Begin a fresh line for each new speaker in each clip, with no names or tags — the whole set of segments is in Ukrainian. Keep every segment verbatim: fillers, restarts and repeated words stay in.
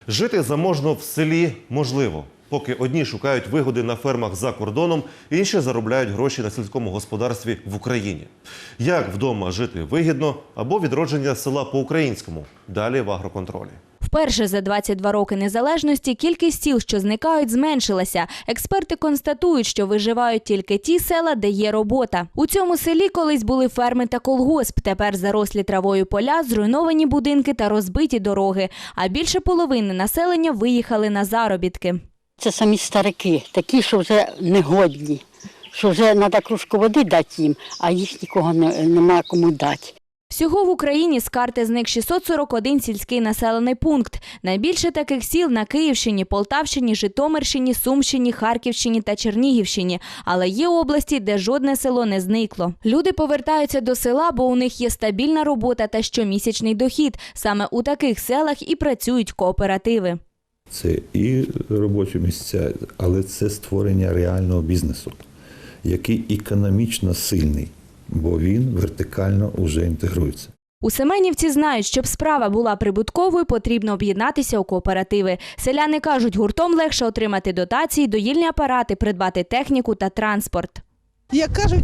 Жити заможно в селі можливо. Поки одні шукають вигоди на фермах за кордоном, інші заробляють гроші на сільському господарстві в Україні. Як вдома жити вигідно або відродження села по-українському? Далі в агроконтролі.
Вперше за двадцять два роки незалежності кількість сіл, що зникають, зменшилася. Експерти констатують, що виживають тільки ті села, де є робота. У цьому селі колись були ферми та колгосп. Тепер зарослі травою поля, зруйновані будинки та розбиті дороги. А більше половини населення виїхали на заробітки.
Це самі старики, такі, що вже негодні, що вже треба кружку води дати їм, а їх нікого не, немає кому дати.
Всього в Україні з карти зник шістсот сорок один сільський населений пункт. Найбільше таких сіл на Київщині, Полтавщині, Житомирщині, Сумщині, Харківщині та Чернігівщині. Але є області, де жодне село не зникло. Люди повертаються до села, бо у них є стабільна робота та щомісячний дохід. Саме у таких селах і працюють кооперативи.
Це і робочі місця, але це створення реального бізнесу, який економічно сильний, бо він вертикально вже інтегрується.
У Семенівці знають, щоб справа була прибутковою, потрібно об'єднатися у кооперативи. Селяни кажуть, гуртом легше отримати дотації, доїльні апарати, придбати техніку та транспорт.
Як кажуть,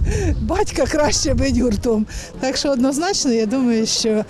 батька краще бить гуртом. Так що однозначно, я думаю, що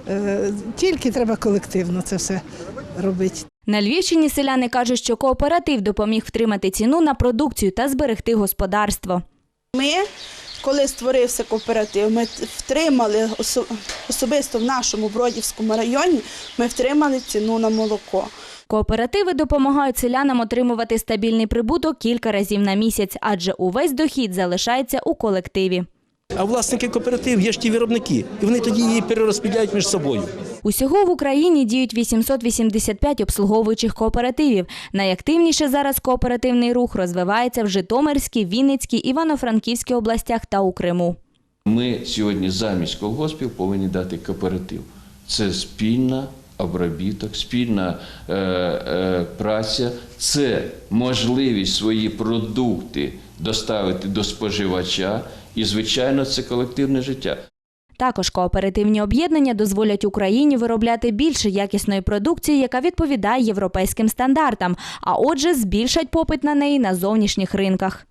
е, тільки треба колективно це все робити.
На Львівщині селяни кажуть, що кооператив допоміг втримати ціну на продукцію та зберегти господарство.
Ми, коли створився кооператив, ми втримали, особисто в нашому Бродівському районі, ми втримали ціну на молоко.
Кооперативи допомагають селянам отримувати стабільний прибуток кілька разів на місяць, адже увесь дохід залишається у колективі.
А власники кооперативів є ж ті виробники, і вони тоді її перерозподіляють між собою.
Усього в Україні діють вісімсот вісімдесят п'ять обслуговуючих кооперативів. Найактивніше зараз кооперативний рух розвивається в Житомирській, Вінницькій, Івано-Франківській областях та у Криму.
Ми сьогодні замість колгоспів повинні дати кооператив. Це спільна обробіток, спільна е, е, праця, це можливість свої продукти доставити до споживача і, звичайно, це колективне життя.
Також кооперативні об'єднання дозволять Україні виробляти більше якісної продукції, яка відповідає європейським стандартам, а отже збільшать попит на неї на зовнішніх ринках.